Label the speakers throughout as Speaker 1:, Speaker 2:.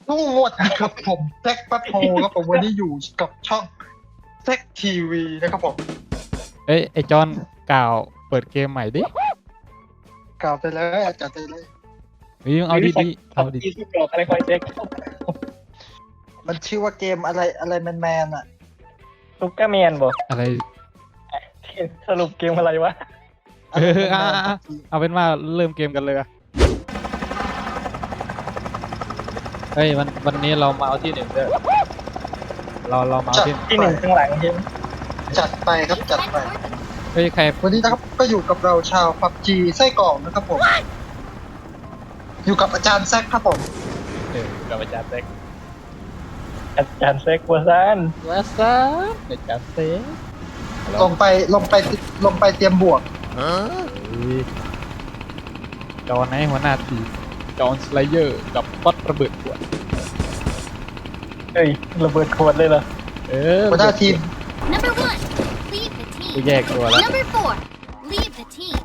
Speaker 1: สวัสดีครับผมแซคปัทโฮครับผมวันนี้อยู่กับช่องแซคทีวีนะครับผม
Speaker 2: เอ้ยไอจอนกล่าวเปิดเกมใหม่ดิ
Speaker 1: กล่าวไปเลยจัดไปเลย
Speaker 2: เฮ้ยเอาดีๆเอาดี
Speaker 3: ที่สุดกรอบอะไรคอยเช็ค
Speaker 1: มันชื่อว่าเกมอะไรแมนอ่ะ
Speaker 3: ซุปเปอร์แมนบอก
Speaker 2: อะไร
Speaker 3: สรุปเกมอะไรวะ
Speaker 2: เอาเป็นว่าเริ่มเกมกันเลยอะเฮ้ยวันนี้เรามาเอาที่หนึ่งด้วยเรามาเอาที่
Speaker 3: ที่หนึ่งข้างหลังใช่ไหม
Speaker 1: จัดไปครับจัดไป
Speaker 2: เฮ้ยใคร
Speaker 1: วันนี้นะครับก็อยู่กับเราชาวพับจีไส้กรอกนะครับผมอยู่กับอาจารย์แซคครับผม
Speaker 2: กับอาจารย์เซ็ก
Speaker 3: อาจารย์เซ็กวัวซัน
Speaker 2: วัสซับอาจารย์เซ็ก
Speaker 1: ลงไปเตรียมบวก
Speaker 2: จอนไหนหัวหน้าทีมจอนสไลเยอร์กับป๊อตระเบิดขวด
Speaker 3: เฮ้ยระเบิดขวดเลยเหรอ
Speaker 1: หัวหน้าทีม
Speaker 4: Number 1, leave the
Speaker 2: กู
Speaker 4: team.
Speaker 2: แยกตัวแล้ว
Speaker 4: Number 4, leave the team.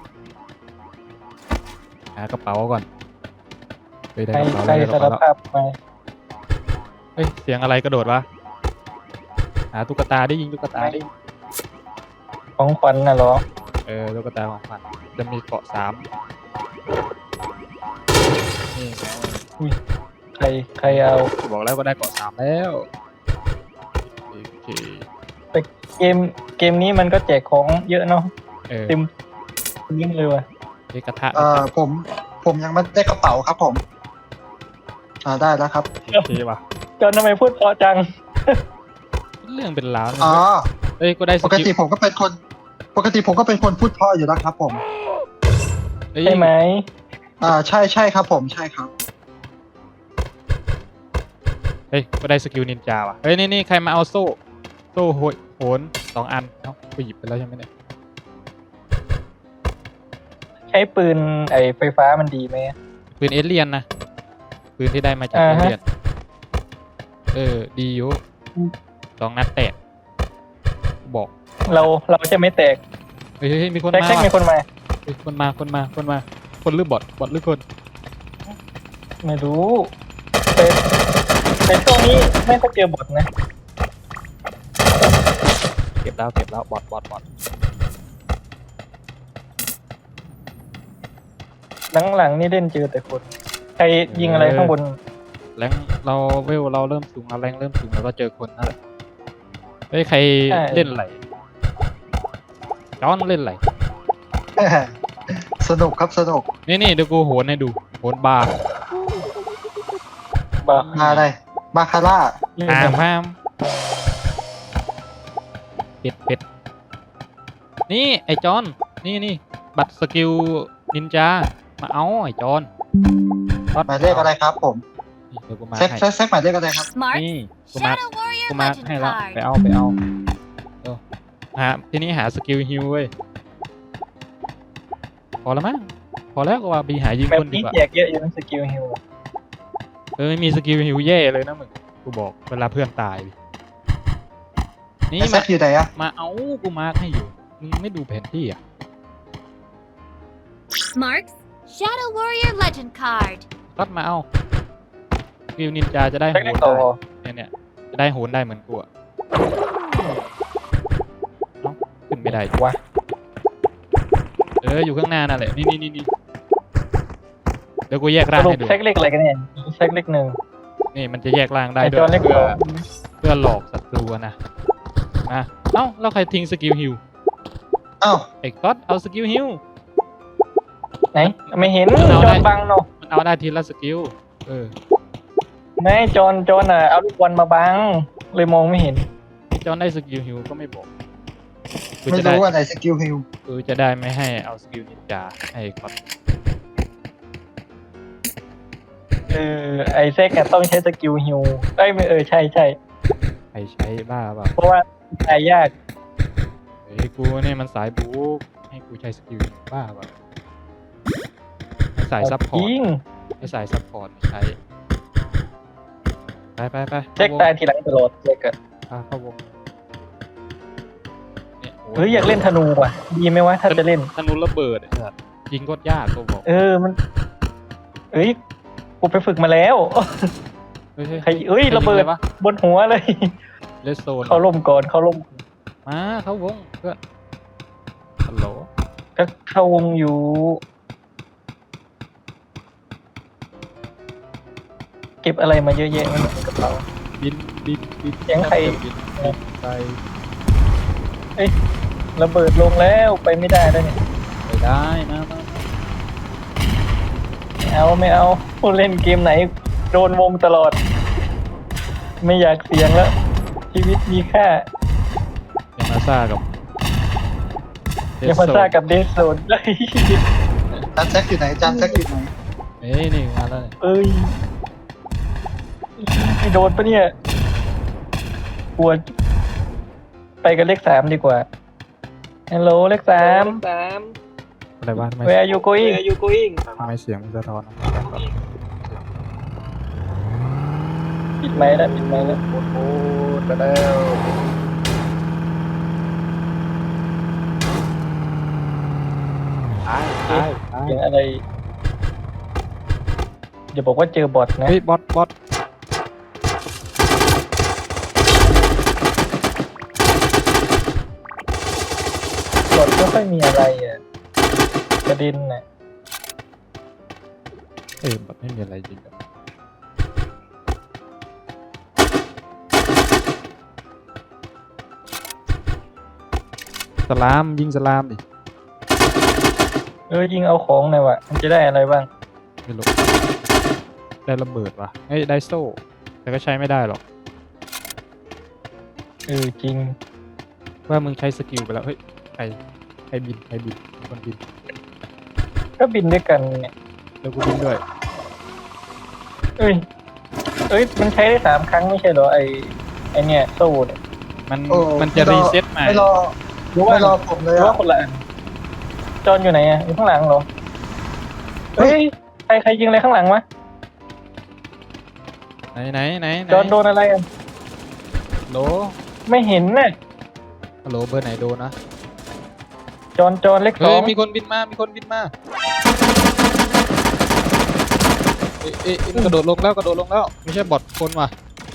Speaker 2: หากระเป๋าก่อนไปได้
Speaker 3: ใคร
Speaker 2: กระเป๋า
Speaker 3: ใคร
Speaker 2: ได้ก
Speaker 3: สา
Speaker 2: ระ
Speaker 3: ร
Speaker 2: เป๋าแล้ว
Speaker 3: ภาพมา
Speaker 2: เฮ้ยเสียงอะไรกระโดดวะหาตุ๊กตาได้ยิงตุ๊กตาดิ
Speaker 3: ของขวัญน่ะเหรอ
Speaker 2: ตุ๊กตาของขวัญจะมีเกาะ3นี่ไง
Speaker 3: ใครเอา
Speaker 2: บอกแล้วก็ได้เกาะ3แล้วโอเค
Speaker 3: เกมนี้มันก็แจกของเยอะเนาะ
Speaker 2: เ
Speaker 3: เต็มยิ่งเลยว่ะ
Speaker 2: กระทะ
Speaker 1: ผมยังไม่ได้กระเป๋าครับผมได้แล้วครับ
Speaker 2: โอเคว่ะ
Speaker 3: จอนทำไมพูดเพราะจัง
Speaker 2: เรื่องเป็นราวเลย
Speaker 1: อ๋อ
Speaker 2: เอ้ยก็ได้ส
Speaker 1: ปก
Speaker 2: กิ
Speaker 1: ติ
Speaker 2: ล
Speaker 1: ผมก็เป็นคนพูดเพราะอยู่แล้วครับผม
Speaker 2: เอ้ย
Speaker 3: ใช่ไหม
Speaker 1: ใช่ครับผมใช่ครับ
Speaker 2: เฮ้ยก็ได้สกิลนินจาว่ะเฮ้ยนี่ใครมาเอาโซ่โหน2 อันเอ้าไปหยิบไปแล้วใช่ไหมเนี่ย
Speaker 3: ใช้ปืนไอไฟฟ้ามันดีไหม
Speaker 2: ปืนเอเลียนนะปืนที่ได้มาจากเอเลียนดีอยู่2 นัดแตกบอก
Speaker 3: เราจะไม่แตก
Speaker 2: เฮ้ยมีคน
Speaker 3: แท็ก
Speaker 2: มา
Speaker 3: แท็กมีคนมา
Speaker 2: เฮ้ยคนมาคนหรือบอทหรือคน
Speaker 3: ไม่รู้แต่ช่วงนี้ไม่ค่อยเจอบทนะ
Speaker 2: เก็บแล้วบอท
Speaker 3: หลังๆนี่เล่นเจอแต่คนใครยิงอะไรข้างบน
Speaker 2: แรงเราเราเริ่มสูงแล้วแรงเริ่มสูงแล้วก็เจอคนนั่นแหละเฮ้ยใครเล่นไหลจอนเล่นไหล
Speaker 1: สนุกครับสนุก
Speaker 2: นี่เดี๋ยวกูโหนให้ดูโหนบาร์
Speaker 3: บอก
Speaker 1: มาอะไรบาคาร่า
Speaker 2: พามเป็ดนี่ไอจอนนี่บัตรสกิลนินจามาเอาไอจอน
Speaker 1: หมายเลขอะไรครับผม
Speaker 2: นี่เดี๋ยวกูมา
Speaker 1: แซค
Speaker 2: ให้
Speaker 1: แซคหมายเลขอะไรครับ
Speaker 4: Smart,
Speaker 2: นี่กูมา
Speaker 4: Shadow Warrior
Speaker 2: กูมา
Speaker 4: Legend
Speaker 2: ให้แล้ว
Speaker 4: card.
Speaker 2: ไปเอาทีนี้หาสกิลฮิวเว้ยพอแล้วมั้งพอแล้วก็ว่าไปหายิง
Speaker 3: แบบ
Speaker 2: คนดี
Speaker 3: นี้
Speaker 2: กว่า
Speaker 3: แจกเยอะอยู่นะสกิลฮิล
Speaker 2: ไม่มีสกิลฮิวแย่เลยนะมึงกูบอกเวลาเพื่อนตายดินี่
Speaker 1: แซ
Speaker 2: มา
Speaker 1: คอยู่ไหนอะ
Speaker 2: มาเอากูมาร์คให้อยู่มึงไม่ดูแผนที่อ่ะ
Speaker 4: Smarts, Shadow Warrior Legend card.
Speaker 2: ก็มาเอาสกิลนินจาจะได้
Speaker 3: แท็
Speaker 2: โห
Speaker 3: ก
Speaker 2: น
Speaker 3: ได้
Speaker 2: ได้
Speaker 3: ต่อ
Speaker 2: เนี่ยจะได้โหนได้เหมือนกูอะเอ้าขึ้นไม่ได้
Speaker 3: วะ
Speaker 2: อยู่ข้างหน้านั่นแหละนี่เดี๋ยวกูแยก
Speaker 3: ส
Speaker 2: ร่าง
Speaker 3: รุป
Speaker 2: ให้ดู
Speaker 3: แท็กเล็กอะไรกันเนี่ยแท็กเล็กหนึ่ง
Speaker 2: นี่มันจะแยกร่างได้
Speaker 3: ไอ
Speaker 2: ด้
Speaker 3: จ
Speaker 2: ว
Speaker 3: อย นเล็ก
Speaker 2: เพื่
Speaker 3: ก
Speaker 2: อ
Speaker 3: ว่า
Speaker 2: เพื่อหลอกศัตรูอะนะเอ้าแล้วใครทิ้งสกิลฮิว
Speaker 1: อ้าว
Speaker 2: ไอ้ก๊อตเอาสกิลฮิว
Speaker 3: ไหนไม่เห็น
Speaker 2: เอา
Speaker 3: จ
Speaker 2: ได้
Speaker 3: อนบังเนาะ
Speaker 2: มันเอาได้ทีละสกิล
Speaker 3: ไม่จอนอ่ะเอาลูกบอลมาบังเลยมองไม่เห็น
Speaker 2: พี่จอนได้สกิลฮิวก็ไม่บอกกู
Speaker 1: ไม่
Speaker 2: จะได้
Speaker 1: รู้ว่าไหนสกิลฮิล
Speaker 2: กูจะได้ไม่ให้เอาสกิลนินจาให้ก๊อต
Speaker 3: ไอแซกอะต้องใช้สกิลฮิลได้ไม่ใช่
Speaker 2: ใครใช้บ้าเปล่า
Speaker 3: เพราะว่าตายยาก
Speaker 2: เฮ้ยกูเนี่ยมันสายบู๊ให้กูใช้สกิลบ้าเปล่าให้สายซัพพอร์ต
Speaker 3: ยิง
Speaker 2: ให้สายซัพพอร์ตไม่ใช้ไป
Speaker 3: แซกตายทีหลังตลอดแซกอะ
Speaker 2: เข้าวงเนี่ยโ
Speaker 3: เฮ้ยอยากเล่นธนูว่ะดีไหมวะถ้าจะเล่น
Speaker 2: ธนูระเบิดไอ้สัสยิงก็ยากกูบอก
Speaker 3: มันกูไปฝึกมาแล้ว
Speaker 2: เฮ้ย
Speaker 3: ใครเอ้ยระเบิดบนหัวเลย
Speaker 2: เลสโซน
Speaker 3: เขาล่มก่อนเขาล่ม
Speaker 2: มาเข้าวงเพื่อนฮัลโหล
Speaker 3: ก็เข้าวงอยู่เก็บอะไรมาเยอะแยะมันในกระเป๋า
Speaker 2: บิน
Speaker 3: เสียงใคร
Speaker 2: บินไป
Speaker 3: ระเบิดลงแล้วไปไม่ได้แล้วเนี่ย
Speaker 2: ไปได้มา
Speaker 3: ไม่เอาผู้เล่นเกมไหนโดนวงตลอด ไม่อยากเสี่ยงแล้ว ชีวิตมีค่า
Speaker 2: อย่ามาซ่ากับ
Speaker 3: อย่ามาซ่ากับเดสโซนเลย
Speaker 1: จานแซกอยู่ไหนจานแซกอยู่ไหน
Speaker 2: เอ้ยนี่มาแล้วเนี่ย
Speaker 3: เอ้ยไม่โดนปะเนี่ยกลัวไปกันเลข3ดีกว่าฮัลโหลเลข3
Speaker 2: อะไรบ้างทำไม
Speaker 3: Where are you going
Speaker 2: ทำไมเสียงมันสะท้อนนะ
Speaker 3: ปิดไมค์แล้วปิดไมค์แล้ว
Speaker 2: โอ้ไปแล้วตาย
Speaker 3: เสียงอะไรอย่าบอกว่าเจอบอทนะ
Speaker 2: เฮ้ยบอท
Speaker 3: บอทไม่ค่อยมีอะไรอ่ะประเด็นน่ะ
Speaker 2: เอ้ยบอทไม่มีอะไรจริงอะสลามยิงสลามดิ
Speaker 3: ยิงเอาของหน่อยวะมันจะได้อะไรบ้าง
Speaker 2: ไม่รู้ได้ระเบิดว่ะเอ้ยได้โซ่แต่ก็ใช้ไม่ได้หรอก
Speaker 3: จริง
Speaker 2: ว่ามึงใช้สกิลไปแล้วเฮ้ยใครบินมีคนบิน
Speaker 3: ก็บินด้วยกันเนี่ย
Speaker 2: แล้วกูบินด้วย
Speaker 3: เอ้ยมันใช้ได้3 ครั้งไม่ใช่เหรอไอเนี่ยโซ่เนี่ย
Speaker 2: มันจะรีเซ็ตใหม่
Speaker 1: ไม่รอ
Speaker 3: หรือว่า
Speaker 1: ไม่รอผมเลย
Speaker 3: หรือ
Speaker 1: อะ
Speaker 3: ว่าคนละอันจอนอยู่ไหนอ่ะอยู่ข้างหลังเหรอเฮ้ยใครยิงอะไรข้างหลังวะ
Speaker 2: ไหน
Speaker 3: จอนโดนอะไรอ่ะ
Speaker 2: โหล
Speaker 3: ไม่เห็นน่ะ
Speaker 2: ฮัลโหลเบอร์ไหนโดนนะ
Speaker 3: จอนเลข
Speaker 2: เฮ้ย
Speaker 3: 2
Speaker 2: มีคนบินมาเอ๊ะมันกระโดดลงแล้วไม่ใช่บอทคนว่ะ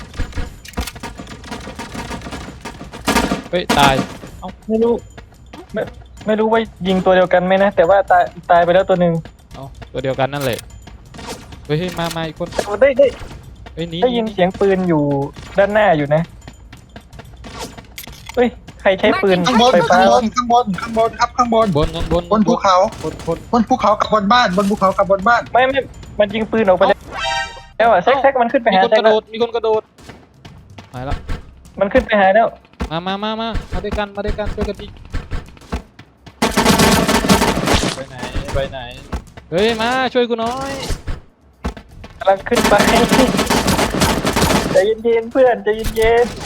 Speaker 2: เฮ้ยตาย
Speaker 3: ไม่รู้ว่ายิงตัวเดียวกันไหมนะแต่ว่าตายไปแล้วตัวหนึ่ง
Speaker 2: เอาตัวเดียวกันนั่นแหละเฮ้ยมาอีกคน
Speaker 3: ได้
Speaker 2: เฮ้ยหนี
Speaker 3: ได้ยินเสียงปืนอยู่ด้านหน้าอยู่นะเฮ้ยใครใช้ปืน
Speaker 1: ข้างบน
Speaker 3: ไฟฟ้า
Speaker 1: ข้างบนครับข้างบน
Speaker 2: บน
Speaker 1: บนภูเขา
Speaker 2: บน
Speaker 1: บนภูเขากับบนบ้านบนภูเขากับบนบ้าน
Speaker 3: ไม่มันยิงปืนออกไปแล้วอ่ะแซกมันขึ้นไป
Speaker 2: มี
Speaker 3: หา
Speaker 2: คน
Speaker 3: แซ
Speaker 2: ก
Speaker 3: ก
Speaker 2: ระโดดมีคนกระโดดหายละ
Speaker 3: มันขึ้นไปหาแล้ว
Speaker 2: มาด้วยกันช่วยกันดิไปไหนเฮ้ยมาช่วยกูหน่อย
Speaker 3: กำลังขึ้นไปใจเย็นๆเพื่อนใจเย็น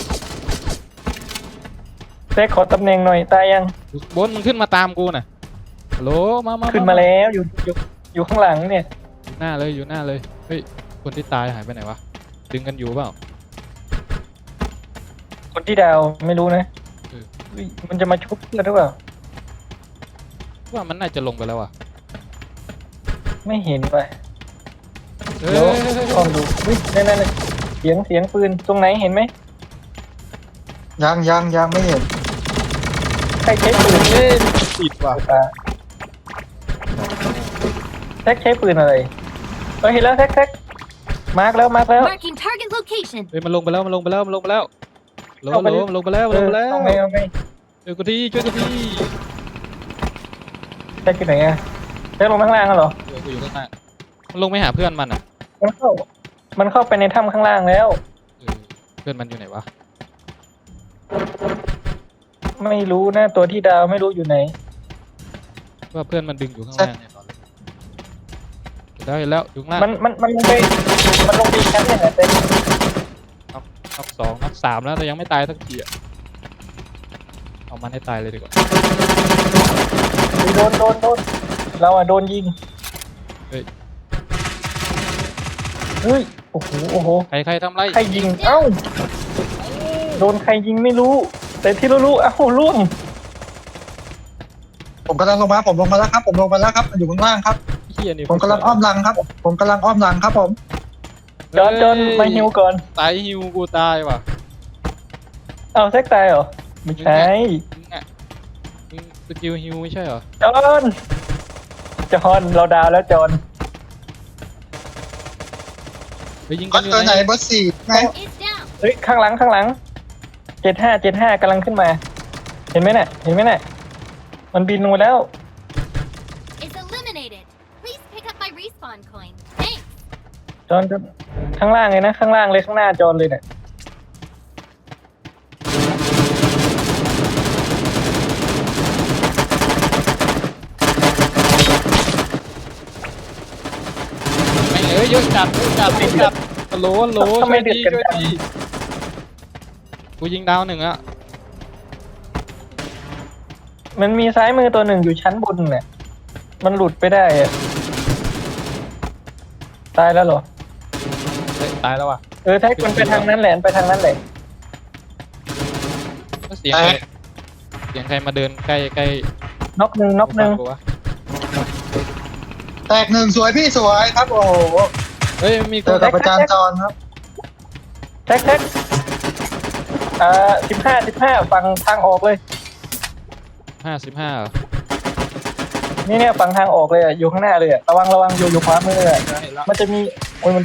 Speaker 3: ๆแซกขอตำแหน่งหน่อยตายยัง
Speaker 2: บนมึงขึ้นมาตามกูน่ะฮัลโหลมา
Speaker 3: ขึ้นมาแล้วอยู่ข้างหลังเนี่ย
Speaker 2: อยู่หน้าเลยเฮ้ยคนที่ตายหายไปไหนวะดึงกันอยู่เปล่า
Speaker 3: คนที่ดาวไม่รู้นะเฮ้ยมันจะมาชุบเพื่อนหรือเปล่า
Speaker 2: ว่ามันน่าจะลงไปแล้วอ่ะ
Speaker 3: ไม่เห็นว่ะ
Speaker 2: เฮ้
Speaker 3: เดี๋ยวย ลองดูเฮ้ยนั่นเสียงปืนตรงไหนเห็นไหม
Speaker 1: ยังไม่เห็น
Speaker 3: ใครใช้ปืน
Speaker 2: เฮ้ยติดว่ะ
Speaker 3: แซกใช้ปืนอะไรเห็นแล้วแซกมาร์กแล้ว
Speaker 4: Marking target location.
Speaker 2: เฮ้ยมันลงไปแล้วมันลงไปแล้วมันลงไปแล้ว
Speaker 3: เอาไง
Speaker 2: ช่วยกูที
Speaker 3: แซกอยู่ไหนอะแซกลงข้างล่างเหรอ
Speaker 2: เดี๋ยวกูอยู่ข้างหน้ามันลงไปหาเพื่อนมันอ่ะ
Speaker 3: มันเข้าไปในถ้ำข้างล่างแล้ว
Speaker 2: เพื่อนมันอยู่ไหนวะ
Speaker 3: ไม่รู้นะตัวที่ดาวไม่รู้อยู่ไหน
Speaker 2: ว่าเพื่อนมันดึงอยู่ข้างล่างเนี่ยตอนนี้เห็นแล้วอยู่ข้างล่าง
Speaker 3: มันลงไปอีกชั้นหนึ่งอะเต็ม
Speaker 2: นับ2นับ3แล้วแต่ยังไม่ตายสักทีอ่ะเอามันให้ตายเลยดีกว่า
Speaker 3: โดนเราอะโดนยิง
Speaker 2: เฮ้ย
Speaker 3: เฮ้ยโอ้โห
Speaker 2: ใครทำไร
Speaker 3: ใครยิงเอ้าโดนใครยิงไม่รู้ แต่ที่รู้เอ้าล่วง
Speaker 1: ผมกำลังลงมาผมลงมาแล้วครับมันอยู่ข้างล่างครับ
Speaker 2: เฮียนี่
Speaker 1: ผมกำลังอ้อมหลังครับผม
Speaker 3: จอนมาฮิวก่อน
Speaker 2: ตายฮิวกูตายว่ะ
Speaker 3: เอาแซกตายเหรอไม่ใช่
Speaker 2: มึงอ่ะมึงสกิลฮิวไม่ใช่เหรอ
Speaker 3: จอนเราดาวแล้วจอน
Speaker 2: ไปยิง
Speaker 1: ก็
Speaker 2: กันอยู่
Speaker 1: ตัวไหน
Speaker 2: ไหน
Speaker 1: เบอร์สี่ไหม
Speaker 4: Is down.
Speaker 3: เฮ้ยข้างหลัง75กำลังขึ้นมา เห็นไหมน่ะมันบินลงมาแล้ว
Speaker 4: Is eliminated. Please pick up my respawn coin. Thanks.
Speaker 3: จอนข้างล่างเลยนะข้างล่างเลยข้างหน้าจอนเลยเนี่ย
Speaker 2: ไม่เยอะจัดโหลช่วยดีกูยิงดาวหนึ่งอะ
Speaker 3: มันมีซ้ายมือตัวหนึ่งอยู่ชั้นบนเนี่ยมันหลุดไปได้อะตายแล้วเหรอ
Speaker 2: เฮ้ยตายแล้วว่ะ
Speaker 3: แท็กมันไปทางนั้นแหละไปทางนั้นแหละ
Speaker 2: เสียงใครมาเดินใกล้
Speaker 3: น็อกหนึ่ง
Speaker 2: กูวะ
Speaker 1: แตกหนึ่งสวยพี่สวยครับโอ้โห
Speaker 2: เฮ้ยมี
Speaker 1: เจอกับอาจารย์จอนครับ
Speaker 3: แท็ก15ฝั่งทางออกเลย
Speaker 2: 55เหรอ
Speaker 3: เนี่ยฝั่งทางออกเลยอ่ะอยู่ข้างหน้าเลยอ่ะระวังอยู่ขวามือเลยอะมันจะมีโอ้ยมัน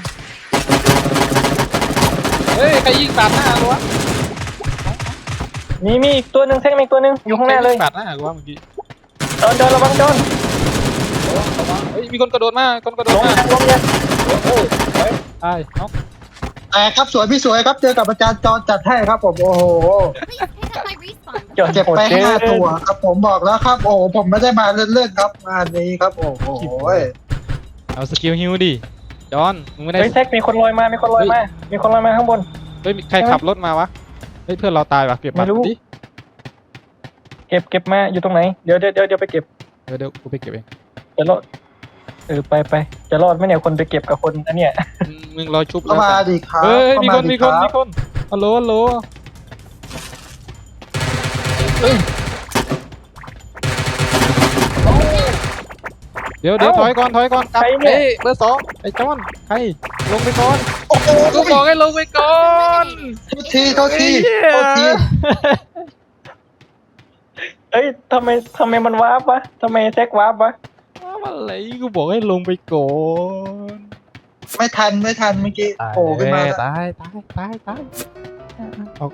Speaker 2: เฮ้ยใครยิงปาดหน้ากูวะ
Speaker 3: มีอีกตัวหนึ่งแท็กมีอีกตัวหนึ่งอยู่ข้างหน้าเลย
Speaker 2: ปาดหน้ากูวะเมื่อกี้
Speaker 3: จอนระวังจอน
Speaker 2: เฮ้ยมีคนกระโดดมา
Speaker 3: ลงยัง
Speaker 2: ตายน็อก
Speaker 1: แตกครับสวยพี่สวยครับเจอกับอาจารย์จอนจัดให้ครับผมโอ้โห
Speaker 4: Please pick up my respawn
Speaker 3: จอน
Speaker 1: เจ็บไป5 ตัวครับผมบอกแล้วครับโอ้โหผมไม่ได้มาเล่นๆครับงานนี้ครับโอ้โห
Speaker 2: เอาสกิลฮิวดิจอนมึงไม่ได้
Speaker 3: เฮ้ยแท็กมีคนลอยมาข้างบน
Speaker 2: เฮ้ยใครขับรถมาวะเฮ้ยเพื่อนเราตายวะเก็บบัต
Speaker 3: ไม่รู้
Speaker 2: รดิ
Speaker 3: เก็บมาอยู่ตรงไหนเดี๋ยวไปเก็บ
Speaker 2: เดี๋ยวกูไปเก็บเอง
Speaker 3: จะรอดไปจะรอดไหมเนี่ยคนไปเก็บกับคนอันเนี้ย
Speaker 2: มึงรอชุบ
Speaker 1: เข้ามาดิครับ
Speaker 2: เฮ้ย
Speaker 1: เข้า
Speaker 2: มี
Speaker 1: มา
Speaker 2: คน
Speaker 1: ดิ
Speaker 2: มี
Speaker 1: ค
Speaker 2: ค
Speaker 1: รั
Speaker 2: น
Speaker 1: บ
Speaker 2: ฮัลโหลเดี๋ยวถอยก่อนกลับเฮ้ยเบอร์ 2ไอ้จอนใครลงไปก่อน
Speaker 1: โอ้โห
Speaker 2: กูบอกให้ลงไปก่อน
Speaker 1: โทษที
Speaker 3: เอ้ยทำไมมันวาร์ปวะทำไมแท็กวาร์ปวะ
Speaker 2: อะไรกูบอกให้ลงไปก่อน
Speaker 1: ไม่ทันเมื่อกี้โผล่ขึ้นมา
Speaker 2: ตายออก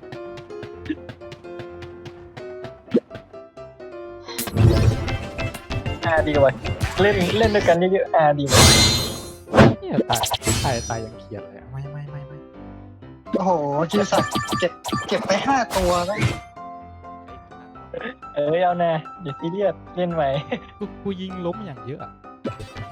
Speaker 3: ดีว่ะเล่นด้วยกันเยอะๆดีว่ะ
Speaker 2: เนี่ยตายยังเขียนเลยไม่
Speaker 1: โอ้โหจิรศักดิ์เก็บไป5 ตัวแล้ว
Speaker 3: เอานะอย่าซีเรียสเล่นใหม่
Speaker 2: กูยิงล้มอย่างเยอะอะ